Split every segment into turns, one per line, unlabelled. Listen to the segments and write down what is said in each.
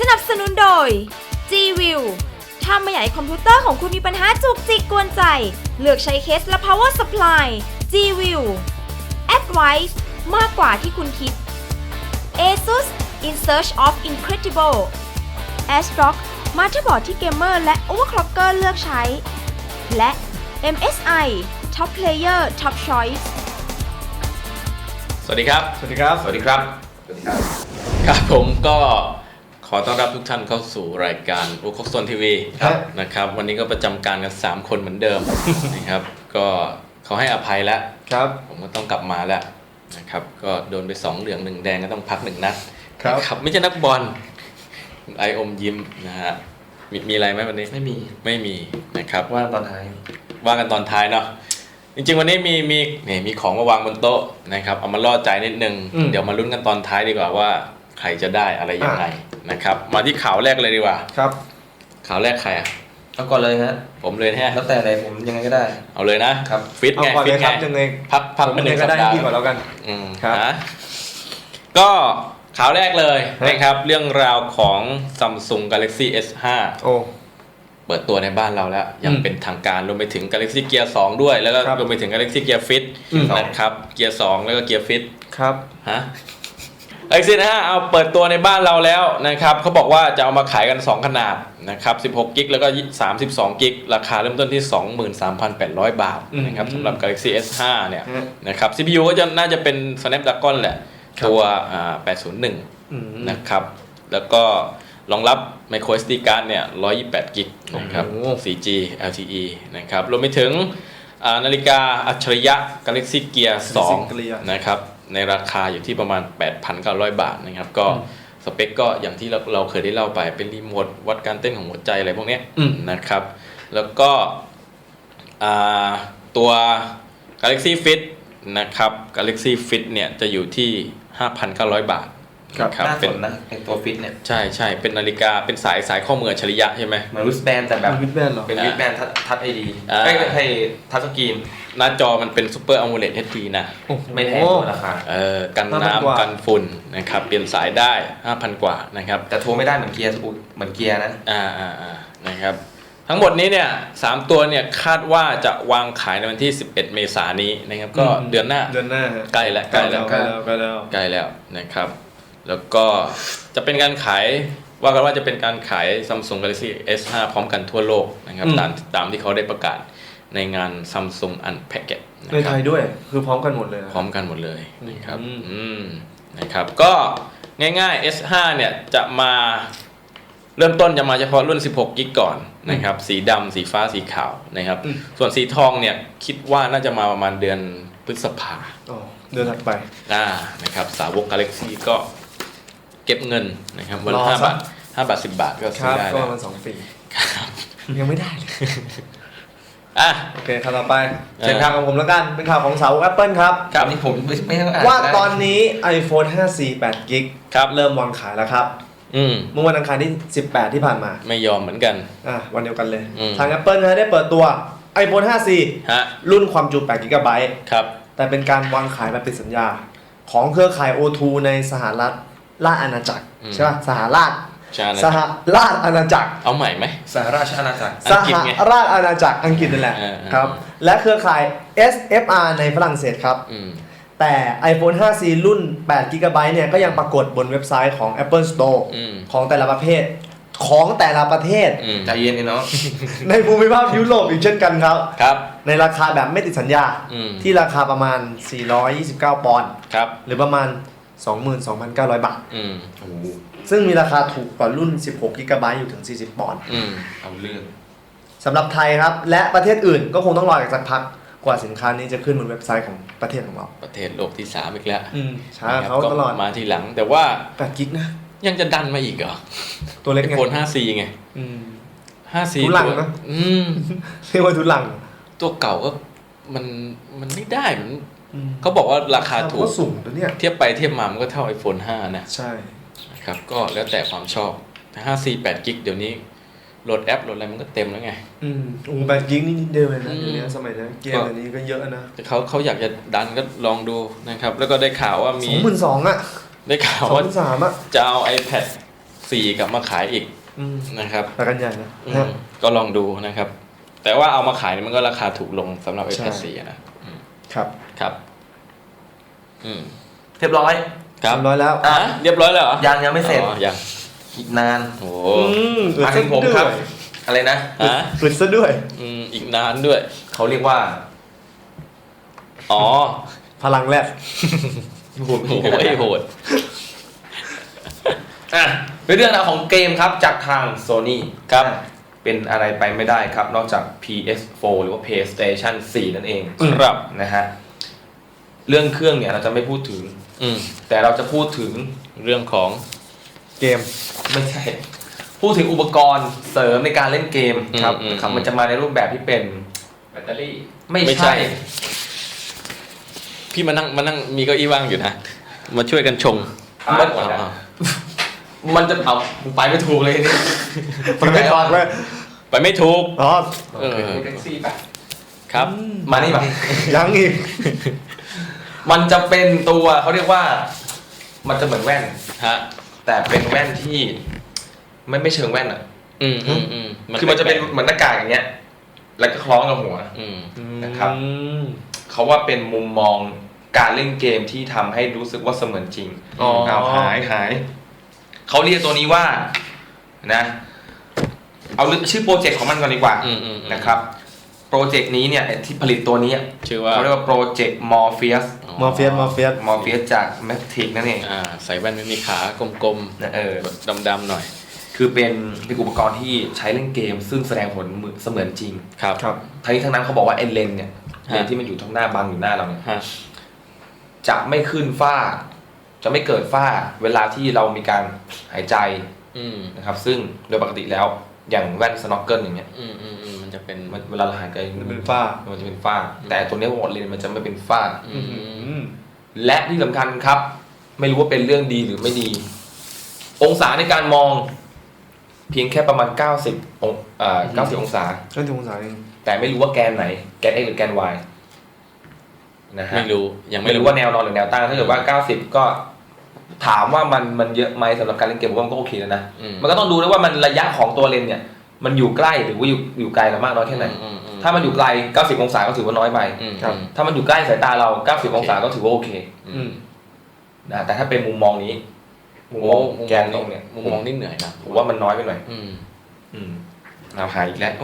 นับสนุนโดย G-View ถ้าไม่อยากให้คอมพิวเตอร์ของคุณมีปัญหาจุกจิกกวนใจเลือกใช้เคสและ power supply G-View Advice มากกว่าที่คุณคิด ASUS In Search of Incredible ASRock มาเตอร์บอร์ดที่เกมเมอร์และ overclocker เลือกใช้ และ MSI Top Player Top Choice
สวัสดีครับ
สวัสดีครับ
สวัสดีครับ
สวัสดีครับ
ครับผมก็ขอต้อนรับทุกท่านเข้าสู่รายการโอคกโซนทีวี
ครับ
นะครับวันนี้ก็ประจำการกัน3คนเหมือนเดิม นะครับก็เขาให้อภัยแล้ว
ครับ
ผมก็ต้องกลับมาแล้วนะครับก็โดนไป2เหลือง1แดงก็ต้องพัก1นัด
ครับ
นะไม่ใช่นักบอลไออมยิ้มนะฮะมีอะไรไหมวันนี้ไม่มีนะครับ
ว่าตอนท้าย
ว่ากันตอนท้ายเนาะจริงๆวันนี้มีของมาวางบนโต๊ะนะครับเอามาล่อใจนิดนึงเดี๋ยวมาลุ้นกันตอนท้ายดีกว่าว่าใครจะได้อะไรยังไงนะครับมาที่ข่าวแรกเลยดีกว่า
ครับ
ข่าวแรกใครอ่ะ
เอาก่อนเลยฮะ
ผมเลยฮะ
แล้วแต่เลยผมยังไงก็ได้
เอาเลยนะครับ ฟิต
เอา
ไง
ก่อน
ฟิ
เล
ต
ยค
ไง
รับยังไง
พัก
ผม
มาหนึ่ง
ก็
สัป
ได้
ดาห์
พี่ก่อนแล้วกัน ครับ
นะก็ข่าวแรกเลย
ฮะ
นะครับเรื่องราวของ Samsung Galaxy S5
โอ้
เปิดตัวในบ้านเราแล้วยังเป็นทางการรวมไปถึง Galaxy Gear 2 ด้วยแล้วก็
ครับ
รวมไปถึง Galaxy Gear Fit นะครับ Gear 2 แล้วก็ Gear Fit
ครับ
ฮะGalaxy นะฮะเอาเปิดตัวในบ้านเราแล้วนะครับเขาบอกว่าจะเอามาขายกัน 2 ขนาดนะครับ16กิกแล้วก็32กิกราคาเริ่มต้นที่ 23,800 บาทนะครับสำหรับ Galaxy S5 เนี่ยนะครับ CPU ก็จะน่าจะเป็น Snapdragon แหละตัว801นะครับแล้วก็รองรับ micro SD card เนี่ย128กิกนะครับ 4G LTE นะครับรวมไปถึงนาฬิกาอัจฉริยะ Galaxy Gear 2 นะครับในราคาอยู่ที่ประมาณ 8,900 บาทนะครับก็สเปคก็อย่างที่เราเคยได้เล่าไปเป็นรีโมทวัดการเต้นของหัวใจอะไรพวกนี้นะครับแล้วก็ตัว Galaxy Fit นะครับ Galaxy Fit เนี่ยจะอยู่ที่ 5,900 บาท
ครับน่าสนนะไอตัวฟิตเนี่ย
ใช่เป็นนาฬิกาเป็นสายข้อมืออัจฉริยะใช่ไหม
เหมือนริสแบนแต่แบบ
วิดแบนเหรอ
เป็นริสแบนทัชไอดี
อ่า
ให้ทัชสกรีน
หน้าจอมันเป็น Super AMOLED HD นะ
ไม่แพงกว่าราคา
กัน
5,000 กว่า
น้ำกันฝุ่นนะครับเปลี่ยนสายได้ 5,000 กว่านะครับ
แต่โทรไม่ได้เหมือนเกียร์เหมือนเกียร์นะ
นะครับทั้งหมดนี้เนี่ย3ตัวเนี่ยคาดว่าจะวางขายในวันที่ 11 เมษายนนี้นะครับก็เดือนหน้า
เดือนหน้า
ใกล้แล้ว
ใกล้แล้ว
นะครับแล้วก็จะเป็นการขายว่ากันว่าจะเป็นการขาย Samsung Galaxy S5 พร้อมกันทั่วโลกนะครับตามที่เขาได้ประกาศในงาน Samsung Unpacked นะ
ใน
ค
ไท
รับ
ยด้วยคือพร้อมกันหมดเลยนะ
พร้อมกันหมดเลยนะครับนะครับก็ง่ายๆ S5 เนี่ยจะมาเริ่มต้นจะมาเฉพาะรุ่น16กิกก่อนนะครับสีดำสีฟ้าสีขาวนะครับส่วนสีทองเนี่ยคิดว่าน่าจะมาประมาณเดือนพฤษภา
อ๋อเดือนถัดไป
นะครับสาวก Galaxy ก็เก็บเงินนะครับวันละ
รอ
5
สัก
บาท5 บาท 10 บาทก็
ค
ซื้อ
รับ
ได้
ก็
แล้
ป
ว
ระมาณ2 ปี
ครับ
ยังไม่ได้เลย
อ่ะ
โอเคข่าวต่อไปเชิญข่าวของผมแล้วกันเป็นข่าวของสาว Apple ครับ
ครับนี่ผมไม่ต้องอ่าน
ว่าตอนนี้ iPhone 5C 8 กิก
ครับ
เริ่มวางขายแล้วครับ เมื่อวันอังคารที่ 18 ที่ผ่านมา
ไม่ยอมเหมือนกัน
วันเดียวกันเลย
อืม
ทาง Apple นะได้เปิดตัว iPhone 5C
ฮะ
รุ่นความจุ8 กิกะไบต์
ครับ
แต่เป็นการวางขายแบบติดสัญญา ของเครือข่าย O2 ในสหรัฐราชอาณาจักรใช่ป่ะสหราช
ใช่นะ
สหราชอาณาจักร
เอาใหม่ไหม
สหราชอาณาจักร
อั
ส
งกฤษ
ห
ไง
ราชอาณาจักรอังกฤษนั่นแหละ ครับ และเครือข่าย SFR ในฝรั่งเศสครับ แต่ iPhone 5C รุ่น8 g b เนี่ยก็ยังปรากฏบนเว็บไซต์ของ Apple Store ของแต่ละประเภท
ใจเย็นเนาะ
ในภูมิภาคยุโรปอีกเช่นกันครับ
ครับ
ในราคาแบบไม่ติดสัญญา ที่ราคาประมาณ 429 ปอนด์
ครับ
หรือประมาณ 22,900 บาท
โอ้โห
ซึ่งมีราคาถูกกว่ารุ่น16 g b อยู่ถึง 40 ปอนด์
เอาเรื่อง
สำหรับไทยครับ และประเทศอื่นก็คงต้องรออีกสักพักกว่าสินค้านี้จะขึ้นบนเว็บไซต์ของประเทศของเรา
ประเทศโลกที่ 3 อีกแล้ว
ช้าเขาตลอด
ก็มาทีหลังแต่ว่า
8 กิกนะ
ยังจะดันมาอีกเหรอ
ตัวเล็กไง
iPhone 5C ไง 5C
ทุลังนะ เรียกว่าทุลัง
ตัวเก่าก็มันไม่ได้มันเขาบอกว่าราคาถูก
ก็สูงตัวเนี้ย
เทียบไปเทียบมามันก็เท่า iPhone 5 นะ
ใช่
นะครับก็แล้วแต่ความชอบแต่ 5C 8 กิกเดี๋ยวนี้โหลดแอปโหลดอะไรมันก็เต็มแล้วไง
8 กิกนี่นิดเดียวเลยนะเดี๋ยวนี้สมัยนี้เกมอันนี้ก็เยอะนะ
แต่เขาอยากจะดันก็ลองดูนะครับแล้วก็ได้ข่าวว่ามี
22,000อ่ะ
ได้ข่าวว่า
23,000อ่ะ
จะเอา iPad 4กลับมาขายอีก นะครับ
ไปกันใหญ่นะ
ก็ลองดูนะครับ แต่ว่าเอามาขายมันก็ราคาถูกลงสำหรับ iPad 4นะครับ ครับ
เรียบร้อย
ครับ
ทำร้อยแล้ว
อ่ะ
เรียบร้อยแล้วเหรอ
ยังไม่เสร็จ
อ๋อยัง
อีกนาน
โอ้
มาถึงผมครับ อะไรนะ
ฮะ
ฝึกซะด้วย
อีกนานด้วย
เขาเรียกว่า
อ๋อ
พลังแรก
โหโหด
อ่ะเป็นเรื่องราวของเกมครับจากทาง Sony
ครับ
เป็นอะไรไปไม่ได้ครับ นอกจาก PS4 หรือว่า PlayStation 4 นั่นเอง
ครับ
นะฮะเรื่องเครื่องเนี่ยเราจะไม่พูดถึง แต่เราจะพูดถึง
เรื่องของ
เกม
ไม่ใช่ พูดถึงอุปกรณ์เสริมในการเล่นเกมครับครับมันจะมาในรูปแบบที่เป็น
แบตเตอรี่
ไม่
ไม่ใช่
ใช่
พี่มานั่งมีเก้าอี้ว่างอยู่นะ มาช่วยกันชง
มันจะเอาไปไม่ถูกเลยนี่
มันไม่ฟังเลย
ไปไม่ถูก
อ๋อ
แท็กซี่ป่ะ
ครับ
มานี่ป่ะ
ยังอีก
มันจะเป็นตัวเขาเรียกว่า มันจะเหมือนแว่น
ฮะ
แต่เป็นแว่นที่ไม่เชิงแว่นอ่ะ คือมันจะเป็นเหมือนหน้ากากอย่างเงี้ย แล้วก็คล้องกับหัว นะครับ เขาว่าเป็นมุมมองการเล่นเกมที่ทำให้รู้สึกว่าเสมือนจริง
อ๋อ
เอาหายเขาเรียกตัวนี้ว่านะเอาชื่อโปรเจกต์ของมันก่อนดีกว่านะครับโปรเจกต์นี้เนี่ยที่ผลิตตัวนี้
ชื่อว่า
เขาเรียกว่าโปรเจกต์ Morpheus
มอร์เฟียส
จาก Matrix นั่นเอง
ใส่แว่นไม่มีขากลม
นะ
ๆดำๆหน่อย
คือเป็นอุปกรณ์ที่ใช้เล่นเกม ซึ่งแสดงผลเสมือนจริง
ครับ
ทั้งนี้ทั้งนั้นเขาบอกว่าไอ้เลนส์เนี่ยเลนส์ที่มันอยู่ทั้งหน้าบังอยู่หน้าเราเนี่ย
ฮะ
จะไม่ขึ้นฝ้า จะไม่เกิดฝ้าเวลาที่เรามีการหายใจนะครับซึ่งโดยปกติแล้วอย่างแว่นสโนว์เกิลอย่างเงี้ย
มันจะเป็น
เวลาเราหายใจ
มันเป็นฝ้า
มันจะเป็นฝ้า แต่ตัวนี้เลนส์มันจะไม่เป็นฝ้า และที่สำคัญครับ ไม่รู้ว่าเป็นเรื่องดีหรือไม่ดี องศาในการมอง เพียงแค่ประมาณ90 องศา
ก็ถึงองศาเอง
แต่ไม่รู้ว่าแกนไหนแกน x หรือแกน y นะฮะ
ไม่รู้ยัง
ไม่รู้ว่าแนวนอนหรือแนวตั้งถ้าเกิดว่า90ก็ถามว่ามันเยอะไหมสำหรับการเล่นเกมผมว่ามันก็โอเคแล้วนะมันก็ต้องดูด้วยว่ามันระยะของตัวเลนเนี่ยมันอยู่ใกล้หรือว่าอยู่ไกลเรามากน้อยแค่ไหนถ้ามันอยู่ไกล90องศาก็ถือว่าน้อยไปถ้ามันอยู่ใกล้สายตาเรา90องศาก็ถือว่าโอเคนะแต่ถ้าเป็นมุมมองนี้มุมมองแกนตรงเนี่ย
มุมมองนี่เหนื่อยนะ
ผมว่ามันน้อยไปหน่อยเราหายอีกแล้ว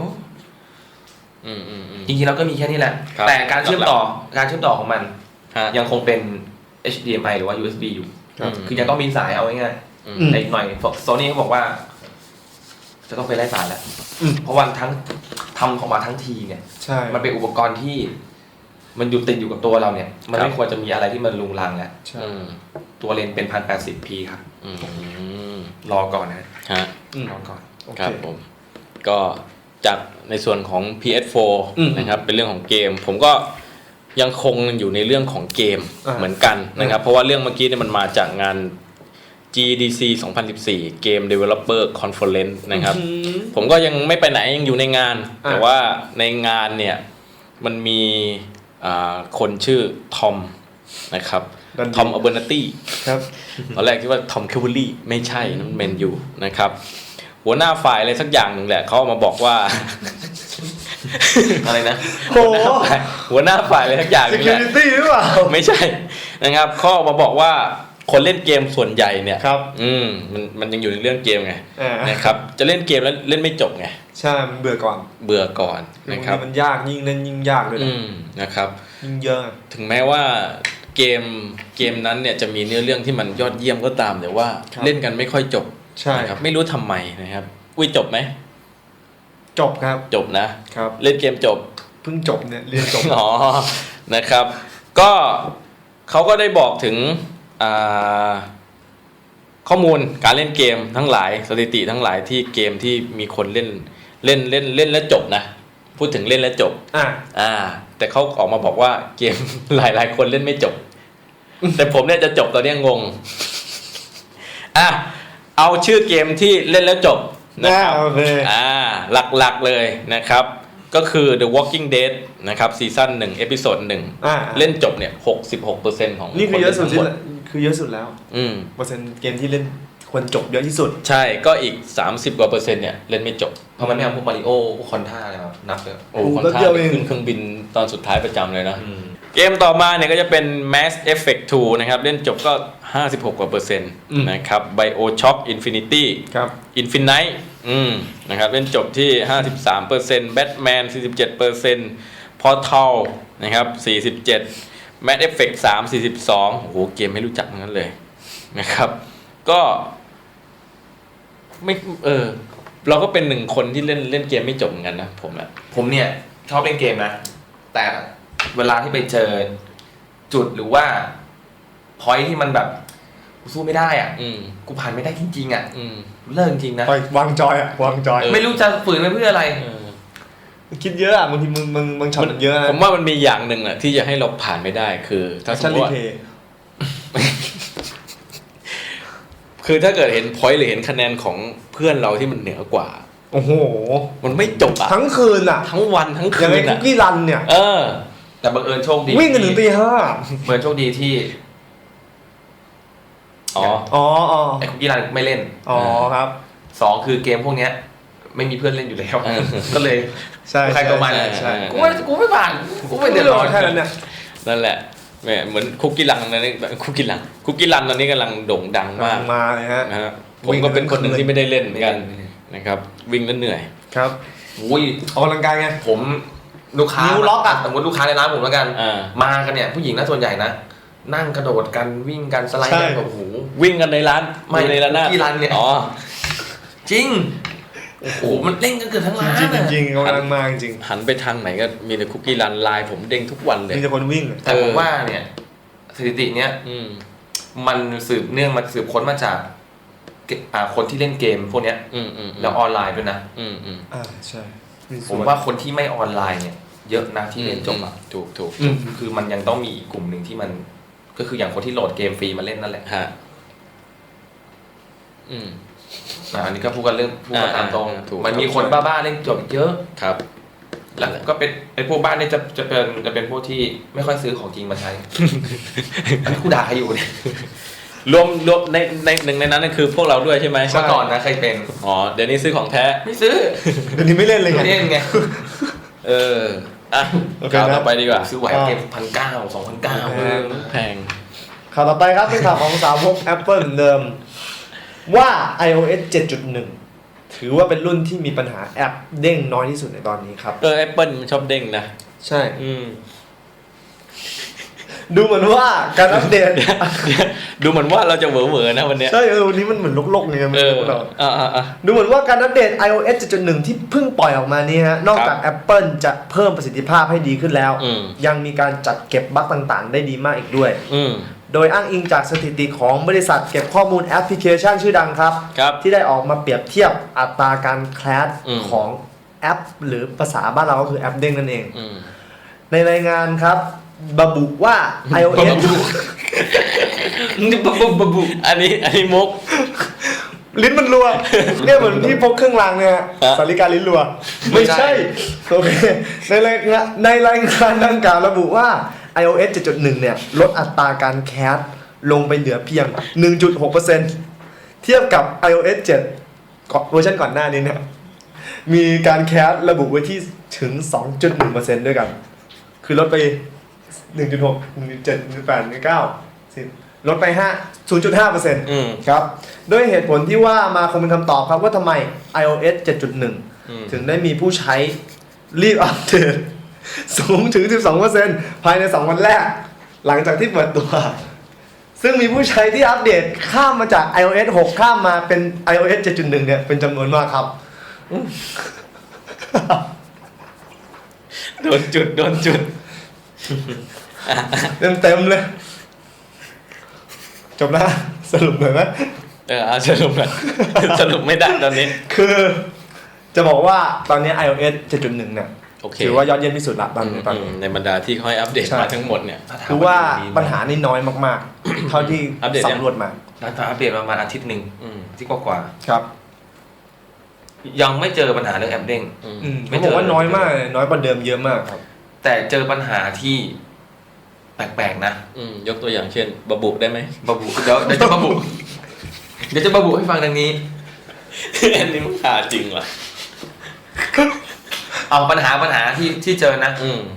จริงๆเราก็มีแค่นี้แหละแต่การเชื่อมต่อของมันยังคงเป็น HDMI หรือว่า USB อยู่คือยังต้องมีสายเอาง่ายๆแต่อีกหน่อย Sony เขาบอกว่า จะต้องไปไล่สายแล้วเพราะวันทั้งทำของมาทั้งทีเนี่ย
ใช่
มันเป็นอุปกรณ์ที่มันอยู่ติดอยู่กับตัวเราเนี่ย มันไม่ควรจะมีอะไรที่มันลุงลังแล้วตัวเลนส์เป็น 1080p ครับรอก่อนนะรอก่อน
ครับผมก็จากในส่วนของ PS4 นะครับเป็นเรื่องของเกมผมก็ยังคงอยู่ในเรื่องของเกมเหมือนกันนะครับเพราะว่าเรื่องเมื่อกี้เนี่ยมันมาจากงาน GDC 2014 Game Developer Conference นะครับผมก็ยังไม่ไปไหนยังอยู่ในงานแต่ว่าในงานเนี่ยมันมีคนชื่อทอมนะครับทอมอเบอร์นาตี้
ครับ
ตอนแรกคิดว่าทอมเคเวอรี่ไม่ใช่นั่นเมนยูนะครับหัวหน้าฝ่ายอะไรสักอย่างหนึ่งแหละเขามาบอกว่า
อะไรนะ
โอ้โห
หัวหน้าฝ่ายอะไรสักอย่างหนึงแหละ
security หรือเปล่า
ไม่ใช่นะครับเขามาบอกว่าคนเล่นเกมส่วนใหญ่เนี่ย
ครับ
มันยังอยู่ในเรื่องเกมไงนะครับจะเล่นเกมแล้วเล่นไม่จบไง
ใช่มันเบื่อก่อน
เบื่อก่อนนะครับ
มันยากยิ่งเล่นยิ่งยากเลย
นะครับ
ยิ่งเยอะ
ถึงแม้ว่าเกมนั้นเนี่ยจะมีเนื้อเรื่องที่มันยอดเยี่ยมก็ตามแต่ว่าเล่นกันไม่ค่อยจบ
ใช่
ครับไม่รู้ทำไมนะครับอุ้ยจบไหม
จบครับ
จบนะครับเล่นเกมจบ
เพิ่งจบเนี่ยเรียนจบ
อ๋อนะครับก็เขาก็ได้บอกถึงข้อมูลการเล่นเกมทั้งหลายสถิติทั้งหลายที่เกมที่มีคนเล่นแล้วจบนะพูดถึงเล่นแล้วจบแต่เขาออกมาบอกว่าเกมหลายคนเล่นไม่จบแต่ผมเนี่ยจะจบตอนนี้งงเอาชื่อเกมที่เล่นแล้วจบนะครับหลักๆเลยนะครับก็คือ The Walking Dead นะครับซีซั่น1เอพิโซด1เล่นจบเนี่ย 66% ของ
นี่คือเยอะสุดแล้วเปอร์เซ็นต์เกมที่เล่นคคนจบเยอะที่สุด
ใช่ก็อีก 30 กว่าเปอร์เซ็นต์เนี่ยเล่นไม่จบ
เพราะมันไม่เอาพวกมาริโอพวกคอนท่าอะไรมานับเลย
โอ้
โอ้
คอน
แป๊บ
ท่า
เดียวเอง
ขึ้นเครื่องบินตอนสุดท้ายประจำเลยนะ เกมต่อมาเนี่ยก็จะเป็น Mass Effect 2 นะครับ เล่นจบก็ 56 กว่าเปอร์เซ็นต์นะครับ BioShock Infinity
ครับ
Infinite นะครับ เล่นจบที่ 53% Batman 47% Portal นะครับ 47 Mass Effect 3 42 โอ้โห เกมไม่รู้จักทั้งนั้นเลยนะครับ ก็ไม่เราก็เป็นหนึ่งคนที่เล่นเกมไม่จบเหมือนกันนะผมอะ
ผมเนี่ยชอบเล่นเกมนะแต่เวลาที่ไปเจอจุดหรือว่าพอยที่มันแบบกูสู้ไม่ได้อ่ะกูผ่านไม่ได้จริงๆอ่ะเลิกจริงๆนะ
วางจอยอะวางจอย
ไม่รู้จะฝืนไปเพื่ออะไร
คิดเยอะอะบางทีมึงช็อตมันเยอะนะ
ผมว่ามันมีอย่างหนึ่งอะที่จะให้เราผ่านไม่ได้คือถ้าสม
ชั่น
ม
รี
ติว่า
เพย์
คือถ้าเกิดเห็นพอยต์หรือเห็นคะแนนของเพื่อนเราที่มันเหนือกว่า
โอ้โห
มันไม่จบอะ
ทั้งคืนอะ
ทั้งวันทั้ง
อ
คื
ย่างไอ้
น
คุ
อะ
กกี้รันเนี่ย
แต่บังเอิญโชคดี
วิ่งกันถึงตี 5
บังเอิญโชคดีที่
อ๋อ
อ๋อ
ไอ้คุกกี้รันไม่เล่น
อ๋อครับ
2คือเกมพวกเนี้ยไม่มีเพื่อนเล่นอยู่แล้ว ก็เลย
ใช่
ใครตัวมัน
ใช่
กูไม่ผ่านกูไม่เดือดร้อน
แค่นั้นเนี่ย
นั่นแหละแหมเหมือนคุกกี้รังตอนนี้คุกกี้รันตอนนี้กำลังโด่งดังมาก
มาเลยฮะ
นะฮะผมก็เป็นคนหนึ่งที่ไม่ได้เล่นเหมือนกันนะครับ วิ่งแล้วเหนื่อย
ครับ
อุ้ย
ออกกำลังกายไง
ผมลูกค้า
นิ้วล็อกอะ
สมมติลูกค้าในร้านผมแล้วกัน
อ่า
มากันเนี่ยผู้หญิงนะส่วนใหญ่นะนั่งกระโดดกันวิ่งกันสไลด์กันแบบโอ้โห
วิ่งกันในร้าน
ไม่
อยู่ในร้านหน้า
คุกกี้รันเนี่ย
อ๋อ
จริงโอ้โหมันเล่นกันเกือบทั้งร้าน
จริง
อะ
จริงๆกำลังมาจริง
หันไปทางไหนก็มีแต่คุกกี้รันไลน์ผมเด้งทุกวันเลย
มีแต่คนวิ่ง
แต่ผมว่าเนี่ยสถิติเนี้ย มันสืบค้นมาจากคนที่เล่นเกมพวกเนี้ยแล้วออนไลน์ด้วยนะ
ใช่
ผมว่าคนที่ไม่ออนไลน์เนี่ยเยอะนะที่เล่นจบอ่ะ
ถูก
คือมันยังต้องมีอีกกลุ่มหนึ่งที่มันก็คืออย่างคนที่โหลดเกมฟรีมาเล่นนั่นแหละ
ฮะ
อันนี้ก็พูดกันตามตรง
ถูก
มันมีคนบ้าๆเล่นจบเยอะ
ครับ
แล้วก็เป็นไอ้พวกบ้านเนี่ยจะเป็นพวกที่ไม่ค่อยซื้อของจริงมาใช้ อันนี้กูด่าใครอยู่เนี่ย
รวมในหนึ่งในนั้นนั่นคือพวกเราด้วยใช่ไหม
เมื่อก่อนนะเคยเป็น
อ๋อเดี๋ยวนี้ซื้อของแท้
ไม่ซื้อ
เดี๋ยวนี้ไม่เล่นเลยไง
ไม่เล่นไง
อ่ะ
โอเค
ข่าว
นะ
ต่อไปดีกว่า
ซื้อไหวเกม1,900 2,900
แพง
ข่าวต่อไปครับเป็นข่าวของสาวก Apple เหมือนเดิม ว่า iOS 7.1 ถือว่าเป็นรุ่นที่มีปัญหาแอปเด้งน้อยที่สุดในตอนนี้ครับ
Apple มันชอบเด้งนะ
ใช่ ดูเหมือนว่าการอัปเดต
ดูเหมือนว่าเราจะเหวอๆนะวันเนี้ย
ใช่วันนี้มันเหมือนลกๆไงมันดูเรา
อ่า
ดูเหมือนว่าการอัปเดต iOS 7.1 ที่เพิ่งปล่อยออกมานี้ฮะนอกจาก Apple จะเพิ่มประสิทธิภาพให้ดีขึ้นแล้ว ยังมีการจัดเก็บบั๊กต่างๆ ได้ดีมากอีกด้วย โดยอ้างอิงจากสถิติของบริษัทเก็บข้อมูลแอปพลิเคชันชื่อดังครับ ที่ได้ออกมาเปรียบเทียบอัตราการแคลชของแอป หรือภาษาบ้านเราก็คือแอปเด้งนั่นเอง ในรายงานครับระบุว่า iOS
อันนี้มุก
ลิ้นมันรัว เนี่ยเหมือนที่พกเครื่องรางเนี่ยสาริกาลิ้นรัว ไม่ใช่ โอเคในรายงานดังกล่าวระบุว่า iOS 7.1 เนี่ยลดอัตราการแคสลงไปเหลือเพียง 1.6% เทียบกับ iOS 7 เวอร์ชันก่อนหน้านี้เนี่ยมีการแคสระบุไว้ที่ถึง 2.1% ด้วยกัน คือลดไป 1.6 1.7 1.8 1.9 ลดไป 0.5% ครับด้วยเหตุผลที่ว่ามาคงเป็นคำตอบครับว่าทำไม iOS 7.1 ถึงได้มีผู้ใช้รีบอัปเดตสูงถึง 12% ภายใน 2 วันแรก หลังจากที่เปิดตัว ซึ่งมีผู้ใช้ที่อัปเดตข้ามมาจาก iOS 6 ข้ามมาเป็น iOS 7.1 เนี่ยเป็นจำนวนมากครับ
โดนจุด
เต็มเลย จบแล้วสรุปหน่อยไหม
เอาสรุปหน่อย สรุปไม่ได้ตอนนี้
คือจะบอกว่าตอนนี้ iOS 7.1 เนี่ย
โอเค
ถือว่ายอดเยี่ยมที่สุดละตอนนี้
ในบรรดาที่เขาให้อัปเดตมาทั้งหมดเนี่ย
คือว่าปัญหานี่น้อยมากๆ เท่าที่
อัปเดตยัง
สำรวจมา
น่าจะอัปเดตประมาณอาทิตย์หนึ่งที่กว่า
ครับ
ๆยังไม่เจอปัญหาเรื่องแอปเด้ง
ไม่บอกว่าน้อยมากเลยน้อยกว่าเดิมเยอะมากครับ
แต่เจอปัญหาที่แปลกๆนะ
ยกตัวอย่างเช่นบะบุได้ไหม
บะบุเดี๋ยวจะบะบุเดี๋ยวจะระบุให้ฟังดังนี้
อันนี้มันหาจริงว่ะ
เอาปัญหาที่เจอนะ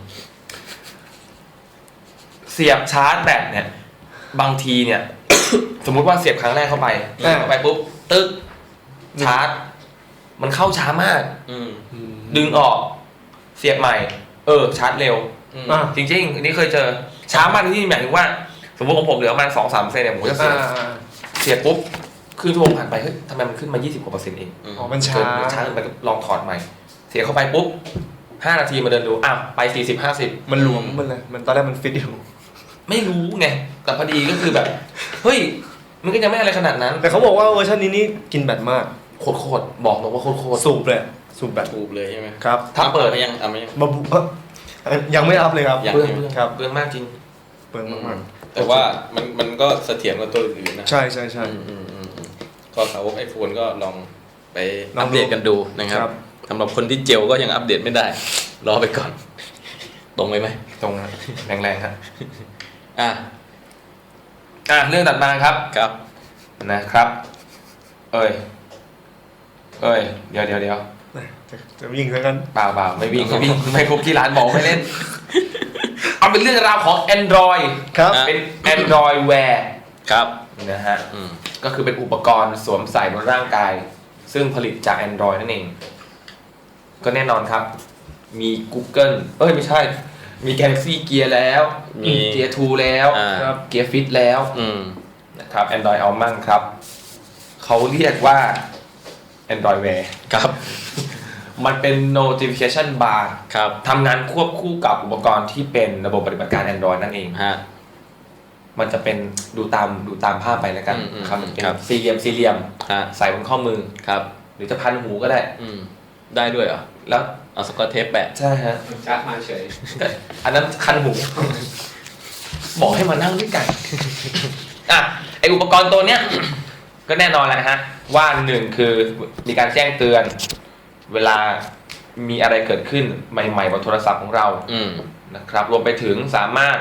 เสียบชาร์จแบตเนี่ยบางทีเนี่ย สมมุติว่าเสียบครั้งแรกเข้าไปปุ๊บตึ๊กชาร์จมันเข้าช้ามากดึงออกเสียบใหม่ชาร์จเร็วจริงๆอันนี้เคยเจอช้ามากที่หมายถึงว่าสมมติของผมเหลือประมาณ 2-3 เซนเนี่ยผมจะเสียบปุ๊บครึ่งชั่วโมงผ่านไปเฮ้ยทำไมมันขึ้นมา20%กว่าเอง
อ๋อมันช้า
ไปลองถอดใหม่เสียบเข้าไปปุ๊บ5 นาทีมาเดินดูอ้าวไป40-50
มันหลวมมันเลยมันตอนแรกมันฟิตอยู่
ไม่รู้ไงแต่พอดีก็คือแบบเฮ้ยมันก็ยังไม่อะไรขนาดนั้น
แต่เขาบอกว่าเวอร์ชันนี้นี่กินแบตมาก
โคตรบอกเลยว่าโคตร
สูบเลยสูบแบต
สูบเลยใช่ไหม
ครับ
ถ้าเปิดยังไม่ยัง
ยังไม่อัพเลยครับ
เปลืองครับเปลืองมากจริง
เปลืองมาก
แต่ว่ามันก็เสถียรกว่าตัวอื่นนะ
ใช่
ก็สาวก iPhone ก็ลองไปอัปเดตกันดูนะครับสำหรับคนที่เจลก็ยังอัปเดตไม่ได้รอไปก่อนตรงไหม
ตรงแรงๆครับเรื่องถัดมาครับนะครับเดี๋ยว
จะวิ่งซะกัน
เปล่าไม่วิ่งไม่ครบที่ร้านบอกไม่เล่นเอาเป็นเรื่องราวของ Android
ครับ
เป็น Android Wear
ครับ
นะฮะก็คือเป็นอุปกรณ์สวมใส่บนร่างกายซึ่งผลิตจาก Android นั่นเองก็แน่นอนครับมี Google ไม่ใช่มี Galaxy Gear แล้วมี Gear 2 แล้วGear Fit แล้วนะครับ Android เอามั่งครับเขาเรียกว่า Android Wear
ครับ
มันเป็น notification bar
ครับ
ทำงานควบคู่กับอุปกรณ์ที่เป็นระบบปฏิบัติการ Android นั่นเองมันจะเป็นดูตามภาพไปแล้วกันครับเป็นสี่เหลี่ยมใส่บนข้อมือ
ครับ
หรือจะพันหูก็ได้
ได้ด้วยเหรอ
แล้ว
เอาสกอตเทปแปะ
ใช่ฮะ
ชาร์จมาเฉย
อันนั้นคันหูบอกให้มานั่งด้วยกันไออุปกรณ์ตัวเนี้ยก็แน่นอนแหละฮะว่าหนึ่งคือมีการแจ้งเตือนเวลามีอะไรเกิดขึ้นใหม่ๆบนโทรศัพท์ของเรานะครับรวมไปถึงสามารถ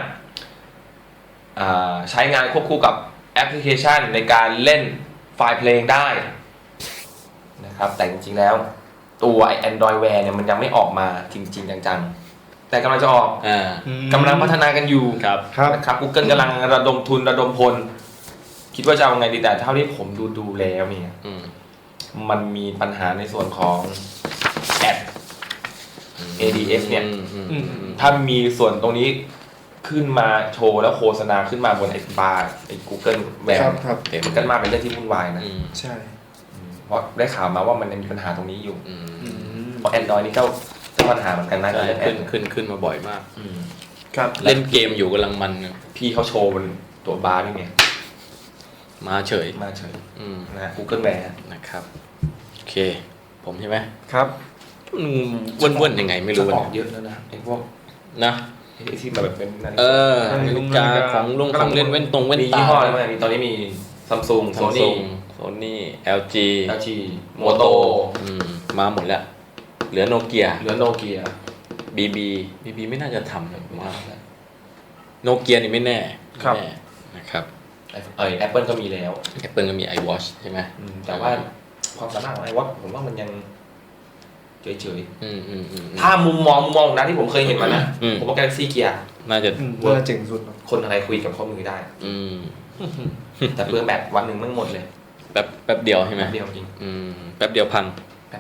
ใช้งานควบคู่กับแอปพลิเคชันในการเล่นไฟล์เพลงได้นะครับแต่จริงๆแล้วตัว Android Wear เนี่ยมันยังไม่ออกมาจริงๆจังๆแต่กำลังจะออกกำลังพัฒนากันอยู่นะครับ Google กำลังระดมทุนระดมพลคิดว่าจะเอาไงดีแต่เท่าที่ผมดูแล้วเนี่ยมันมีปัญหาในส่วนของแอด ADS เนี่ยถ้ามีส่วนตรงนี้ขึ้นมาโชว์แล้วโฆษณาขึ้นมาบนไอ้บาร์ไอ้ Google แบบมันกันมาเป็นเรื่องที่วุ่นวายนะ
ใช่
เพราะได้ข่าวมาว่ามันมีปัญหาตรงนี้อยู่เพราะ Android นี่ก็ปัญหาเหมือนกันนะ
ขึ้นมาบ่อยมาก
ครับ
เล่นเกมอยู่กำลังมัน
พี่เขาโชว์บนตัวบาร์นี่เนี่ย
มาเฉย
นะ Google Wear
นะครับโอเคผมใช่ไหม
ครับ
ว่นยังไงไม่รู้
ออกเยอะแล้วนะไอ้พวก
นะ
ที่มาแบบเป็น
นาฬิกาของเล่นเว้นตรงเว้นตา
ยี่ห้ออะไรมีตอนนี้มี Samsung
Sony LG
Moto
มาหมดแล้วเหลือโนเกียBB ไม่น่าจะทำเลยว่าโนเกียนี่ไม่แน่นะครับ
Apple ก็มีแล้ว
Apple ก็มี iWatch ใช่ไหม
แต่ว่าความสามารถของ iWatch ผมว่ามันยังเฉยๆถ้ามุมมองนะที่ผมเคยเห็นมานะผมว่า Galaxy Gear
น่าจะ
เจ๋งสุด
คนอะไรคุยกับข้อมือได้แต่เปลืองแบตวันหนึ่งไม่หมดเลย
แป๊บเดียวใช่ไหม
แป๊บเดียวจริง
แป๊บเดียวพัง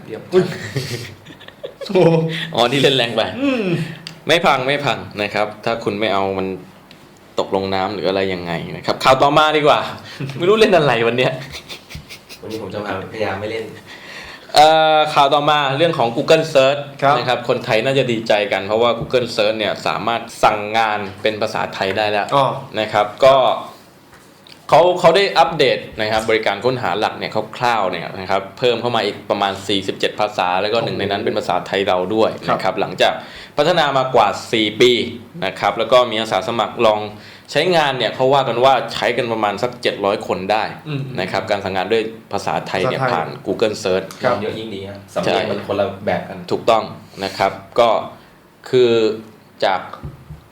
อ๋อที่เล่นแรงไปไม่พังนะครับถ้าคุณไม่เอามันตกลงน้ำหรืออะไรยังไงนะครับข่าวต่อมาดีกว่าไม่รู้เล่นอะไรวันนี้
ผมจะพยายามไม่เล่น
ข่าวต่อมาเรื่องของ Google Search นะครับคนไทยน่าจะดีใจกันเพราะว่า Google Search เนี่ยสามารถสั่งงานเป็นภาษาไทยได้แล้วนะครับก็เขาได้อัปเดตนะครับบริการค้นหาหลักเนี่ยคร่าวๆเนี่ยนะครับเพิ่มเข้ามาอีกประมาณ47ภาษาแล้วก็หนึ่งในนั้นเป็นภาษาไทยเราด้วยนะครับหลังจากพัฒนามากว่า4ปีนะครับแล้วก็มีอาสาสมัครลองใช้งานเนี่ยเขาว่ากันว่าใช้กันประมาณสัก700คนได้นะครับการสั่งงานด้วยภาษาไทยเนี่ยผ่าน Google Search
เยอะยิ่งดีครับสำเนียงมันคนละแบบกัน
ถูกต้องนะครับก็คือจาก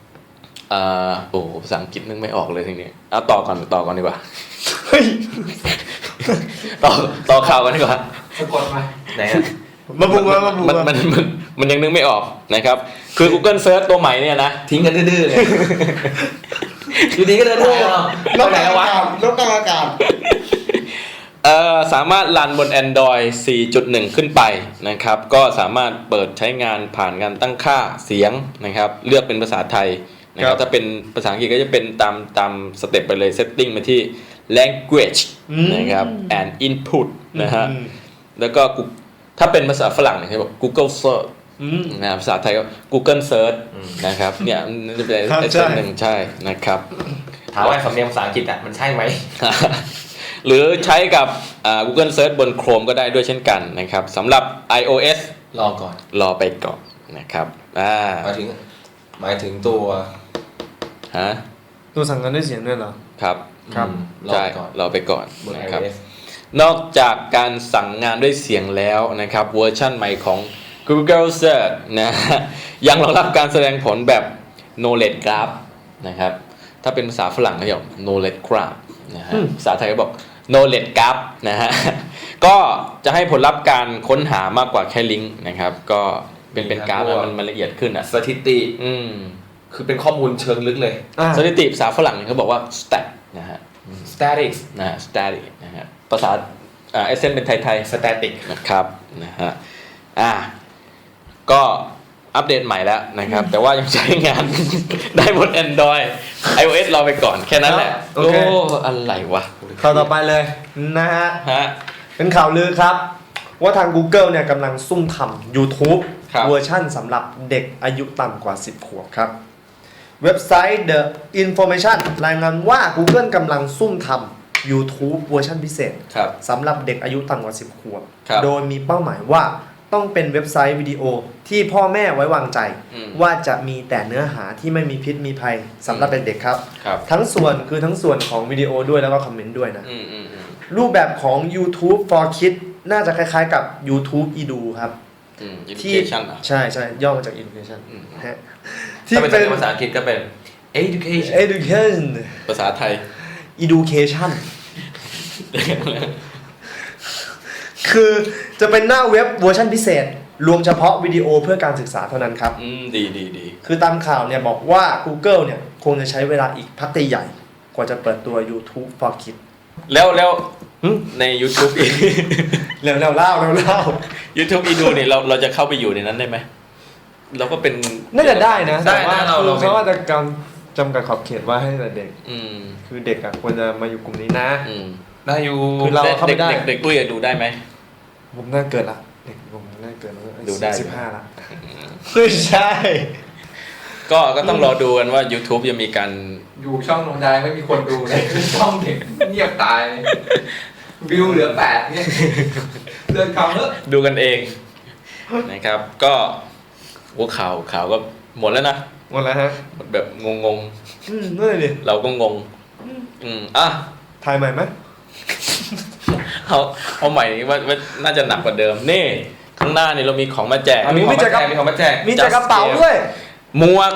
ภาษาอังกฤษนึกไม่ออกเลยทีนี้เอาต่อก่อนดีกว่าต่อข่าวกันดีกว่า
สะกดมา
ไหนอะ
มาบุกมาบุก
มันยังนึกไม่ออกนะครับ คือ Google Search ตัวใหม่เนี่ยนะ
ทิ้งกันดื้อๆเลยอยู่ดีก็เดินทางเอา
นก
ไป
ก
ไหน
ลาง
แล้ววะ
อากาศนกกลางอากาศ
สามารถรันบน Android 4.1 ขึ้นไปนะครับ ก็สามารถเปิดใช้งานผ่านการตั้งค่าเสียงนะครับ เลือกเป็นภาษาไทยนะค
ครั
รับบ ถ้าเป็นภาษาอังกฤษก็จะเป็นตามสเต็ปไปเลย setting มาที่ language นะครับ and input นะฮะ แล้วก็ถ้าเป็นภาษาฝรั่งเนี่ยเขาบอก Google Search นะภาษาไทยก็ Google Search นะครับ เนี่ยมันจะเป็น
ครับ
เส้นหนึ่งใช่นะครับ
ถามว่าสำเนียงภาษาอังกฤษอ่ะมันใช่ไหม
หรือใช้กับGoogle Search บน Chrome ก็ได้ด้วยเช่นกันนะครับสำหรับ iOS
รอก่อน
รอไปก่อนนะครับ
หมายถึงตัว
ฮะ
ตัวสั่งงานด้วยเสียงด้วยเหรอ
ครับ
ครับ
รอ
ใช่
ก่อน
รอไปก่อน
บน
นะครับ
iOS
นอกจากการสั่งงานด้วยเสียงแล้วนะครับเวอร์ชั่นใหม่ของ Google Search นะยังรองรับการแสดงผลแบบ Knowledge Graph นะครับถ้าเป็นภาษาฝรั่งเขาเรียก Knowledge Graph นะฮะภาษาไทยก็บอก Knowledge Graph นะฮะก็จะให้ผลลัพธ์การค้นหามากกว่าแค่ลิงก์นะครับก็เป็นกราฟมันละเอียดขึ้นอ่ะ
สถิติ คือเป็นข้อมูลเชิงลึกเลย
สถิติภาษาฝรั่งเขาบอกว่า stat นะฮะ
statics
นะฮะ static นะฮะภาษาเอเซนเป็นไทย
static
นะครับนะฮะก็อัปเดตใหม่แล้วนะครับ แต่ว่ายังใช้งาน ได้บน Android iOS รอไปก่อนแค่นั้นแหละ
โอเค
อะไรวะ
ข่าวต่อไปเลยนะฮะ
ฮะ เป็น
เป็นข่าวลือครับ ว่าทาง Google เนี่ยกำลังซุ่มทำ YouTube
ครับ
เวอร์ชั่นสำหรับเด็กอายุต่ำกว่า 10 ขวบครับ เว็บไซต์ The Information รายงานว่า Google กำลังซุ่มทำ YouTube เวอร์ชันพิเศษ
ครับ
สำหรับเด็กอายุต่ำกว่า 10 ขวบ
ครับ
โดยมีเป้าหมายว่าต้องเป็นเว็บไซต์วิดีโอที่พ่อแม่ไว้วางใจ ว่าจะมีแต่เนื้อหาที่ไม่มีพิษมีภัยสำหรับเด็กๆครับ
ครับ
ทั้งส่วนของวิดีโอด้วยแล้วก็คอมเมนต์ด้วยนะ
อืม
รูปแบบของ YouTube for Kids น่าจะคล้ายๆกับ YouTube Edu ครับ ที่
education อ่ะ
ใช่ย่อมาจาก Education ฮะ
ถ้าเป็นภาษาอังกฤษก็เป็น education
Education
ภาษาไทย
Education คือจะเป็นหน้าเว็บเวอร์ชันพิเศษ รวมเฉพาะวิดีโอเพื่อการศึกษาเท่านั้นครับ
ดี
คือตามข่าวเนี่ยบอกว่า Google เนี่ยคงจะใช้เวลาอีกพักใหญ่กว่าจะเปิดตัว YouTube for Kids
แล้วใน YouTube อีก
เร็วเล่า
YouTube อีดูเนี่ยเราจะเข้าไปอยู่ในนั้นได้ไหมเราก็เป็น
น่าจะได้นะ
ได้
แต่ว่า
นะเรา
คือ
เป็น
เขาว่าจะจำกัดขอบเขตว่าให้แต่เด็ก
อืม
คือเด็กอ่ะควรจะมาอยู่กลุ่มนี้นะ
ได้อยู่
คือเราเข้าไปได้
เด็กปุ้ยดูได้ไหม
ผมน่าเกิดละเด็กผมน่าเกิดแล้ว
ดูได้
15ละไม่ใช่
ก็ต้องรอดูกันว่า YouTube จะมีการ
อยู่ช่องลงดายไม่มีคนดูเลยช่องเด็กเงียบตายวิวเหลือ8เนี่ยเดินคำเถอะ
ดูกันเองนะครับ ก็หัวข่าวก็หมดแล้วนะ
หมดแล้วฮะ
หมดแบบงง
นั่นเลยดิ
ๆ เราก็งงอ่ะ
ถ่ายใหม่ไหม
เอาใหม่ว่าน่าจะหนักกว่าเดิมนี่ข้างหน้านี่เรามีของมาแจก
มีของมาแจกมีของมาแจก
มีแจกกระเป๋าด้วย
หมวก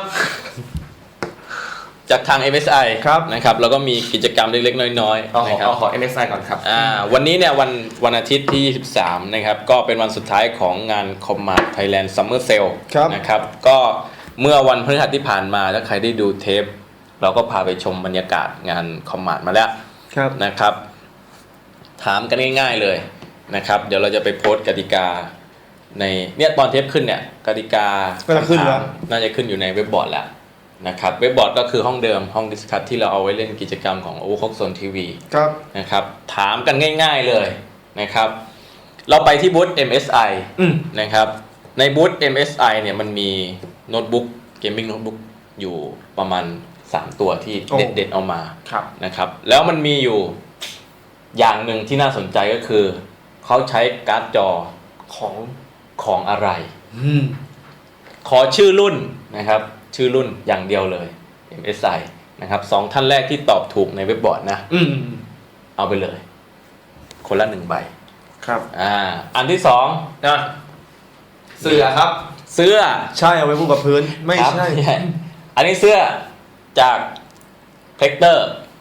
จากทาง MSI
ครับ
นะครับแล้วก็มีกิจกรรมเล็กๆน้อยๆนะครับ
ขอ MSI ก่อนครับ
วันนี้เนี่ยวันอาทิตย์ที่ 23 นะครับก็เป็นวันสุดท้ายของงาน Command Thailand Summer Sale
ครับ
นะครับก็เมื่อวันพฤหัสที่ผ่านมาถ้าใครได้ดูเทป เราก็พาไปชมบรรยากาศงาน Command มาแล้ว
ครับ
นะครับ ถามกันง่ายๆเลยนะครับเดี๋ยวเราจะไปโพสต์กติกาในเนี่ยตอนเทปขึ้นเนี่ยกติกา
ก็จะขึ้นแล้ว
น่าจะขึ้นอยู่ในเว็บบอร์ดแล้วนะครับเว็บบอร์ดก็คือห้องเดิมห้องดิสคัทที่เราเอาไว้เล่นกิจกรรมของ Overclock Zone TV
ครับ
นะครับถามกันง่ายๆเลยนะครับเราไปที่บูธ MSI นะครับในบูธ MSI เนี่ยมันมีโน้ตบุ๊กเกมมิ่งโน้ตบุ๊กอยู่ประมาณ3ตัวที่เด็ดๆเอามา
ครับ
นะครับแล้วมันมีอยู่อย่างหนึ่งที่น่าสนใจก็คือเขาใช้การ์ดจอของอะไร ขอชื่อรุ่นนะครับชื่อรุ่นอย่างเดียวเลย MSI นะครับ2ท่านแรกที่ตอบถูกในเว็บบอร์ดนะเอาไปเลย คนละ1 ใบ
ครับ
อันที่2นะ
เสื้อครับ
เสื้อ
ใช่เอาไว้พูดกับพื้นไม่
ครับ
ใช่
อันนี้เสื้อจากเพกเตอร์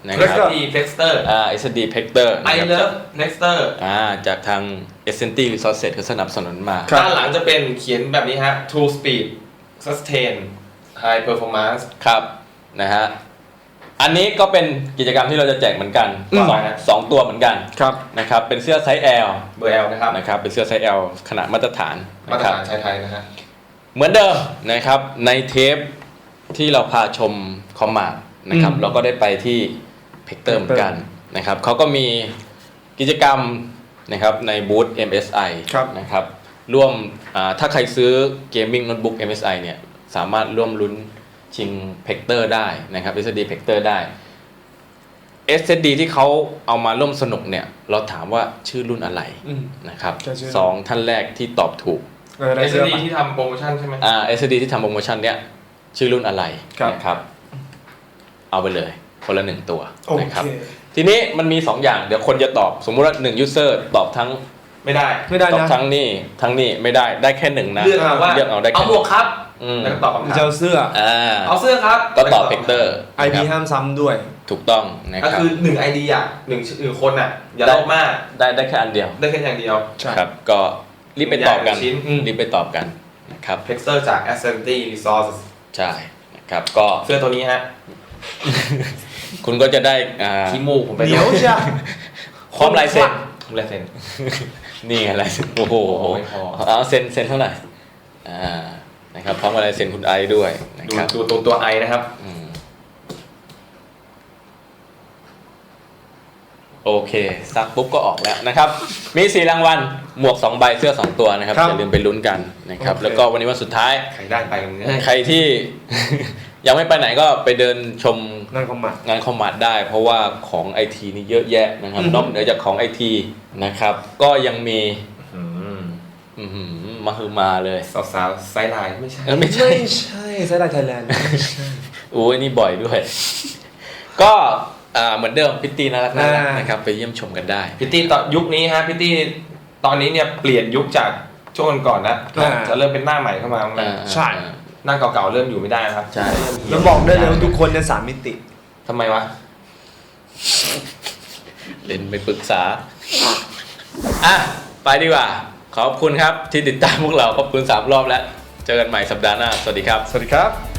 นะครับ
SSD Plexter
SSD Plexter
I Love Plexter
จากทาง Essenti Resources เขาสนับสนุนมา
ด้านหลังจะเป็นเขียนแบบนี้ฮะ True Speed Sustain High Performance
ครับนะฮะอันนี้ก็เป็นกิจกรรมที่เราจะแจกเหมือนกัน สองตัวเหมือนกัน
ครับ
นะครับเป็นเสื้อไซส์ L
เบอร์ L นะครับ
นะครับเป็นเสื้อไซส์ L ขนาดมาตรฐาน
มาตร
นะครับ
ฐานชายไทยนะฮะ
เหมือนเดิมนะครับในเทปที่เราพาชมคอมมาดนะครับเราก็ได้ไปที่เพกเตอร์เหมือนกันนะครับเขาก็มีกิจกรรมนะครับในบูธ MSI นะครับร่วมถ้าใครซื้อเกมมิ่งโน้ตบุ๊ก MSI เนี่ยสามารถร่วมลุ้นชิงเพกเตอร์ได้นะครับ SSD เพกเตอร์ได้ SSD ที่เขาเอามาร่วมสนุกเนี่ยเราถามว่าชื่อรุ่นอะไรนะครับสองท่านแรกที่ตอบถูก
SSD ที่ทำโปรโมชั่นใช่ไหม
SSD ที่ทำโปรโมชั่นเนี้ยชื่อรุ่นอะไรนะครับเอาไปเลยคนละ1ตัวนะครับทีนี้มันมี 2 อย่างเดี๋ยวคนจะตอบสมมุติว่า1 user ตอบทั้ง
ไม่ได้
ตอบทั้งนี่ไม่ได้แค่1นะ
เลือกเอาว่า
ได้แค่
เอาหมวกครับแล้วก็ตอบคำถาม
เจ้าเสื้อ
เอาเสื้อครับ
ก็ตอบเพกเตอร์
IP ห้ามซ้ำด้วย
ถูกต้องนะ
ก็
ครับ
คือ1 ID อ่ะ1คนอ่ะอย่าโลภมาก
ได้แค่อันเดียว
ได้แค่อย่างเดียว
ครับก็รีบไปตอบกัน
ชิ้น
รีบไปตอบกันนะครับ
Plexter จาก Essenti Resources
ใช่นะครับก็
เสื้อตัวนี้ฮะ
คุณก็จะได้
ขี้มูกผมไป
เดี๋ยวจ้ะ
พร้อมลายเซ็น
ลายเซ็น
นี่ไงลายเซ็นโอ้โห
ไม่พอ
เอาเซ็นเท่าไหร่นะครับพร้อมกับลายเซ็นคุณไอซ์ด้วยนะครับ
ดูตัวไอนะครับ
โอเคซักปุ๊บก็ออกแล้วนะครับมี4รางวัลหมวก2ใบเสื้อ2ตัวนะครับอย่าลืมไปลุ้นกันนะครับแล้วก็วันนี้วันสุดท้าย
ใครได้ไปกันเนี่ย
ใครที่ ยังไม่ไปไหนก็ไปเดินชม
งานคอมมาด
งานคอมมาดได้ เพราะว่าของไอทีนี่เยอะแยะนะครับนอกเหนือจากของไอทีนะครับก็ยังมีมาคือมาเลย
สาวๆไซด์ไลน์ไม่ใช่
ไม่ใช่
ไม่ใช่ไซด์ไลน์ไทยแลนด์
โอ้ยนี่บ่อยด้วย ก็เหมือนเดิมพิตตี้น่ารักนะครับไปเยี่ยมชมกันได้
พิตตี้ตอนยุคนี้ฮะพิตตี้ตอนนี้เนี่ยเปลี่ยนยุคจากช่วงก่อนนะจะเริ่มเป็นหน้าใหม่เข้ามา
ใช่
หน้าเก่าๆเริ่มอยู่ไม่ได้นะครับ
ใช่
แล้วบอกได้เลยว่าทุกคนเนี่ย3 มิติ
ทำไมวะ
เล่นไปปรึกษาไปดีกว่าขอบคุณครับที่ติดตามพวกเราขอบคุณ3 รอบแล้วเจอกันใหม่สัปดาห์หน้าสวัสดีครับ
สวัสดีครับ